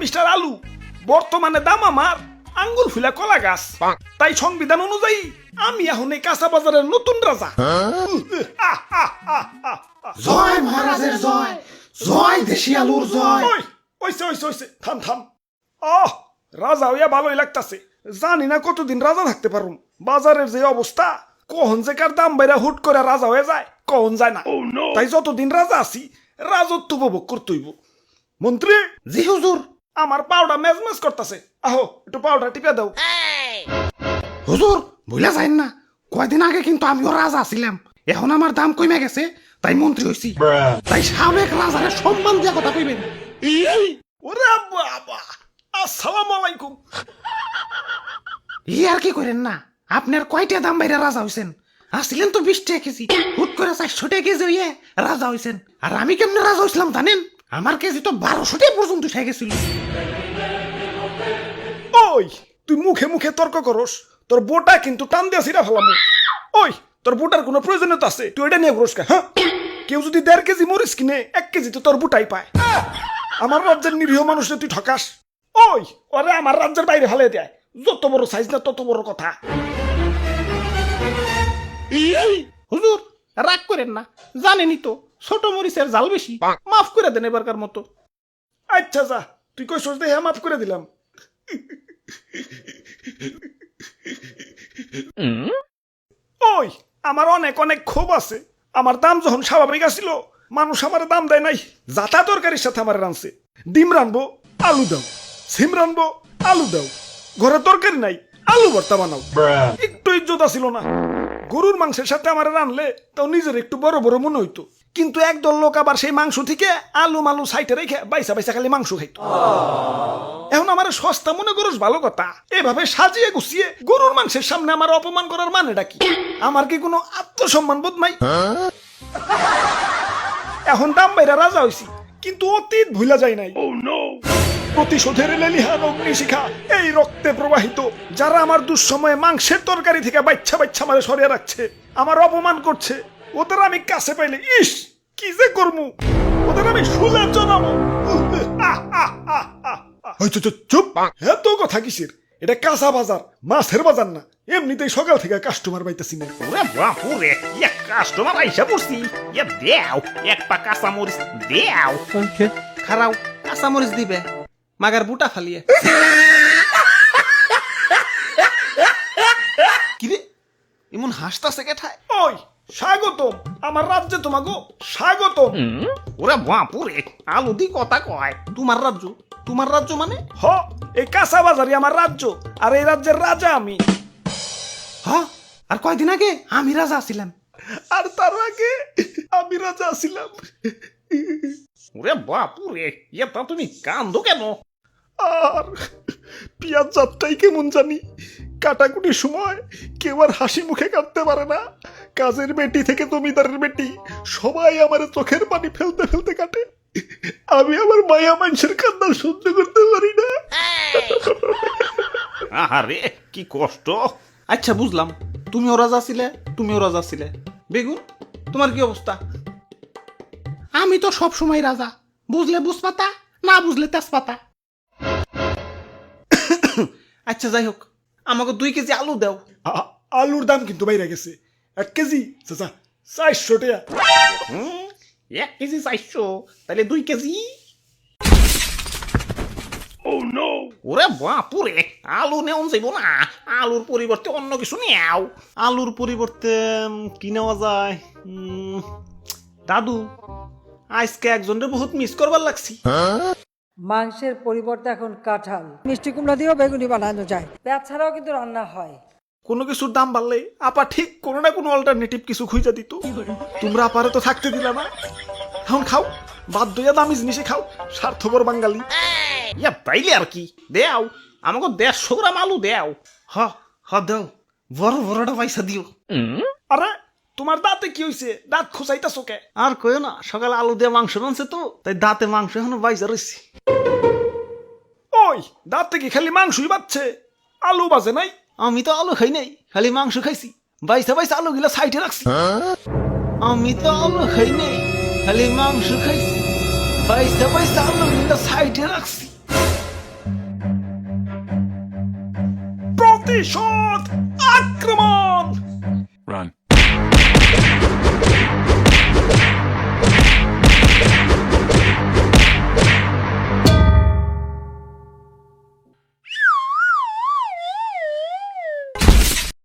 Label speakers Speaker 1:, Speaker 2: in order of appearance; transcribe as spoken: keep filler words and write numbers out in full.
Speaker 1: Mister আলু, বর্তমানে দাম আমার আঙ্গুর ফুলা কলা গাছ। তাই সংবিধান অনুযায়ী আমি এখন এই কাঁচা বাজারের নতুন রাজা। আহ, আহ, আহ, আহ, আহ।
Speaker 2: জয় মহারাজের জয়, জয় দেশি আলুর জয়।
Speaker 1: ওই ওইসে ওইসে ওইসে থাম থাম। আহ, রাজা হইয়া ভালোই লাগতাছে। জানি না কতদিন রাজা থাকতে পারুম। বাজারের যে অবস্থা, কখন যে কার দাম বাইরা হুট করে রাজা হয়ে যায় কখন যায় না। তাই যতদিন রাজা আছি রাজত্ব উপভোগ করতেইব। মন্ত্রী,
Speaker 2: জি হুজুর।
Speaker 1: আমার পাউডার মেজমেজ করতেছে, আহো একটু পাউডার টিপে দাও।
Speaker 2: হুজুর ভুলে যাইন না, কয়দিন আগে কিন্তু আমিও রাজা ছিলাম, এখন আমার দাম কমে গেছে তাই মন্ত্রী হইছি। তাই সাবেক রাজারে সম্মান দিয়া কথা কইবেন।
Speaker 1: ওরে বাবা, আসসালামু আলাইকুম।
Speaker 2: ই আর কি করেন না, আপনার কয়টা দাম বাইরে রাজা হইছেন? আসছিলেন তো বিশ টাকা কেজি, হুট করে চারশো টাকা কেজি হইয়ে রাজা হইছেন। আর আমি কেমনে রাজা হইছিলাম জানেন? আমার কেজি তো বারোশো টাকা পর্যন্ত উঠে গেছিল।
Speaker 1: ওই তুই মুখে মুখে তর্ক করস, তোর বোটা কিন্তু টান দিয়া ছিড়া ফেলাম। ওই তোর বোটার কোনো প্রয়োজনীয়তা আছে? তুই এটা নিয়ে ঘুরস কা? হ্যাঁ, কেউ যদি দেড় কেজি মরিচ কিনে এক কেজি তো তোর বুটাই পায়। আমার রাজ্যের নিরীহ মানুষে তুই ঠকাস। ওই ওরে আমার রাজ্যের বাইরে ফেলে দেয়। যত বড় সাইজ না তত বড় কথা।
Speaker 2: হুজুর রাগ করেন না, জানেনই তো ছোট মরিচের জাল বেশি, মাফ করে দেন এবারকার মতো।
Speaker 1: আচ্ছা যা, তুই কই সোচ দেখে মাফ করে দিলাম। ওই আমার অনেক অনেক ক্ষোভ আছে। আমার দাম যখন স্বাভাবিক আসিল, মানুষ আমার দাম দেয় নাই। যাতা তরকারির সাথে আমার রানছে। ডিম রানবো, আলু দাও। সিম রানবো, আলু দাও। ঘরে তরকারি নাই, আলু ভর্তা বানাও। একটু ইজ্জত আসিল না। গরুর মাংসের সাথে আমার রানলে তাও নিজের একটু বড় বড় মনে হইতো। কিন্তু একদল লোক আবার সেই মাংস থেকে আলু মালু সাইটে রেখে বাইসা বাইসা খালি মাংস খাইতো। এখন আমার সস্তা মনে করস ভালো কথা, এভাবে সাজিয়ে গুছিয়ে গরুর মাংসের সামনে আমার অপমান করার মানেটা কি? আমার কি কোনো আত্মসম্মান বোধ নাই? এখন দাম বাইরা রাজা হইছি, কিন্তু অতীত ভুলা যায় নাই। প্রতিশোধের লেলিহান অগ্নিশিখা এই রক্তে প্রবাহিত। যারা আমার দুঃসময়ে মাংসের তরকারি থেকে বাচ্চা বাচ্চা মারে সরিয়ে রাখছে, আমার অপমান করছে, ওদের আমি কাছে পাইলে ইস কি যে করমু, ওদের আমি শুলে জানাবো। চুপ, এত কথা কিসের? এটা কাঁচা বাজার, মাছের বাজার না। এমনিতেই সকাল থেকে কাস্টমার পাইতেছি না।
Speaker 3: ওরে বাপুরে, এক কাস্টমার আইসা পড়ছি। এ দেও এক পা কাঁচা মরিচ দেও।
Speaker 2: খারাও কাঁচা মরিচ দিবে, মাগার বুটা ফালিয়ে। কিরে এমন হাসতাছে কেঠায়?
Speaker 1: ওই স্বাগতম আমার রাজ্যে, তোমাগো স্বাগতম।
Speaker 3: ওরে বাপুরে, আলু দি কথা কয়।
Speaker 2: তোমার রাজ্য? তোমার রাজ্য মানে?
Speaker 1: হ, এই কাঁচা বাজারই আমার রাজ্য, আর এই রাজ্যের রাজা আমি।
Speaker 2: হ, আর কয়দিন আগে আমি রাজা ছিলাম।
Speaker 1: আর তার আগে আমি রাজা ছিলাম।
Speaker 3: ওরে বাপুরে, এটা তুমি কান্দো কেন?
Speaker 1: আর পিয়াজ যাত্রাই কেমন জানি, কাটাকুটির সময় কেউ আর হাসি মুখে কাটতে পারে না। কাজের বেটি থেকে জমিদারের বেটি সবাই আমার চোখের পানি ফেলতে ফেলতে কাটে। আমি আমার মায়া মানুষের কান্না সহ্য করতে পারি না।
Speaker 3: আহারে কি কষ্ট।
Speaker 2: আচ্ছা বুঝলাম, তুমিও রাজা ছিলে, তুমিও রাজা ছিলে। বেগুন তোমার কি অবস্থা? আমি তো সব সময় রাজা, বুঝলে বুঝপাতা, না বুঝলে তেজপাতা। আচ্ছা যাই হোক, আমাকে দুই কেজি আলু দাও।
Speaker 1: আ- আলুর দাম কিন্তু বাইরে গেছে। এক কেজি চাচা চারশো টাকা।
Speaker 3: হুম, এক কেজি চাইছো, তাহলে দুই কেজি। ওরে বাপুরে, আলু নেওয়া যাইব না। আলুর পরিবর্তে অন্য কিছু নেও।
Speaker 2: আলুর পরিবর্তে উম, কি নেওয়া যায়? উম, দাদু আজকে একজনের বহুত মিস করবার লাগছি।
Speaker 4: মাংসের পরিবর্তে এখন কাঁঠাল, মিষ্টি কুমড়া দিয়েও বেগুনি বানানো যায়। পেঁয়াজ ছাড়াও কিন্তু রান্না হয়।
Speaker 1: কোনো কিছুর দাম বাড়লে আপা ঠিক কোনো না কোনো অল্টারনেটিভ কিছু খুঁজে দিত। তোমরা আপারে তো থাকতে দিলা না। এখন খাও, বাধ্য হইয়া দামি জিনিসে খাও, স্বার্থপর বাঙালি।
Speaker 3: ইয়া তাইলে আর কি, দেও আমাকে দেড়শো গ্রাম আলু দেও।
Speaker 2: হ হ দাও, বড় বড়টা পয়সা দিও।
Speaker 1: আরে তোমার দাঁতে কি হইছে? দাঁত খোঁচাইতাছো কে?
Speaker 2: আর কইও না, সকালে আলু দিয়ে মাংস রানছে তো, তাই দাঁতে মাংস এখনো বাইজা রয়েছে।
Speaker 1: ওই দাঁতে কি খালি মাংসই বাচ্ছে, আলু বাজে নাই?
Speaker 2: আমি তো আলু খাই নাই, খালি মাংস খাইছি। বাইসা বাইসা আলু গিলা সাইডে রাখছি। আমি তো আলু খাই নাই, খালি মাংস খাইছি। বাইসা বাইসা আলু গিলা সাইডে রাখছি।
Speaker 1: প্রতিশোধ আক্রমণ।